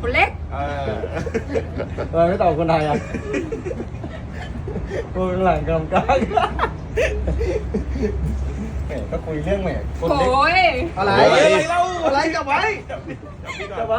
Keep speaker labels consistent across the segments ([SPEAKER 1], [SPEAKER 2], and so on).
[SPEAKER 1] คนเล็ก
[SPEAKER 2] ไม่ตอบคนไทยอ่ะคนหลังกำกับแหมก็คุยเรื่องแหมคนเล็ก
[SPEAKER 1] โอ้ย
[SPEAKER 2] อะไรเล่าอะไรจับไว้จับไว้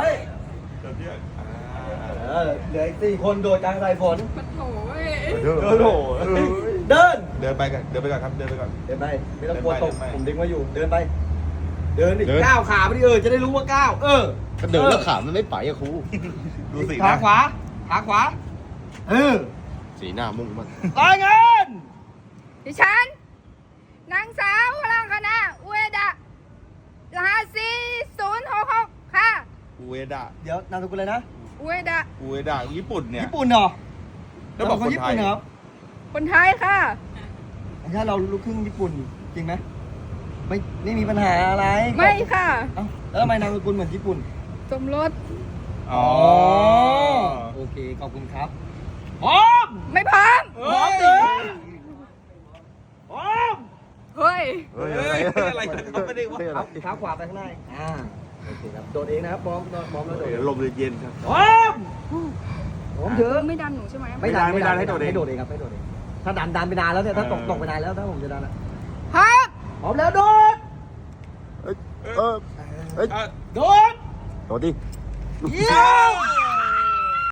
[SPEAKER 2] เหลืออีก4 คนโดดกลางสายฝน
[SPEAKER 1] มันโอ้ย
[SPEAKER 2] โดเดิน
[SPEAKER 3] เดินไปก่อนครับเดินไปก่อน
[SPEAKER 2] เดินไปไม่ต้องกลัวตก
[SPEAKER 3] เดินไป
[SPEAKER 2] ผมดึงไว้อยู่เดินไป เดินดิ
[SPEAKER 3] เดิน
[SPEAKER 2] ก้าวขาไปดิจะได้รู้ว่าก้าว
[SPEAKER 4] ก็เดินแล้วขามันไม่ไปอะครู
[SPEAKER 3] ดูสิ
[SPEAKER 2] ขา
[SPEAKER 3] นะ
[SPEAKER 2] ขวาขาขวา
[SPEAKER 4] สีหน้ามุ่งมัน
[SPEAKER 2] รายงาน
[SPEAKER 1] ดิฉันนางสาวพลังคณะอุเอดะรหัส4066ค่ะ
[SPEAKER 3] อูเอดะ
[SPEAKER 2] เดี๋ยวนามสกุลเลยนะ
[SPEAKER 1] อุเอดะ
[SPEAKER 3] อูเอดะญี่ปุ่นเนี่ย
[SPEAKER 2] ญี่ปุ่นเหรอ
[SPEAKER 3] แล้วบอกคนไทย
[SPEAKER 2] ญี่ปุ่นเหรอครับ
[SPEAKER 1] คนไทยค่ะ
[SPEAKER 2] ถ้าเราลูกครึ่งญี่ปุ่นจริงไหมไม่มีปัญหาอะไร
[SPEAKER 1] ไม่ค่ะ
[SPEAKER 2] เอ้าแล้วทำไมนามสกุลเหมือนญี่ปุ่น
[SPEAKER 1] สมรส
[SPEAKER 3] อ๋อ
[SPEAKER 2] โอเคขอบคุณครับพร้อม
[SPEAKER 1] ไม่พร้อม
[SPEAKER 2] พร้อมเดินพร้อม
[SPEAKER 1] เฮ้ย
[SPEAKER 3] เฮ้ยอะไรเขาไม่ได้ว่า
[SPEAKER 2] เท้าขวาไปข้างหน้าโอเคครับโดดเองนะครับพร้อมแล้วโดด
[SPEAKER 3] ลมเย็นครับ
[SPEAKER 2] พร้อมพร้อมเถอะ
[SPEAKER 1] ไม่ดันหนูใช่ไหม
[SPEAKER 3] ไม่ดันให้โดดเอง
[SPEAKER 2] ให้โดดเองครับให้โดดเองถ้าดันไปนานแล้วเนี่ยถ้าตกไปนานแล้วถ้าผมจะดันอ่ะ
[SPEAKER 1] ครับ
[SPEAKER 2] พร้อมแล้วโดด
[SPEAKER 4] เฮ้ย
[SPEAKER 2] โดด
[SPEAKER 4] โดดดิ
[SPEAKER 2] เยี่ยม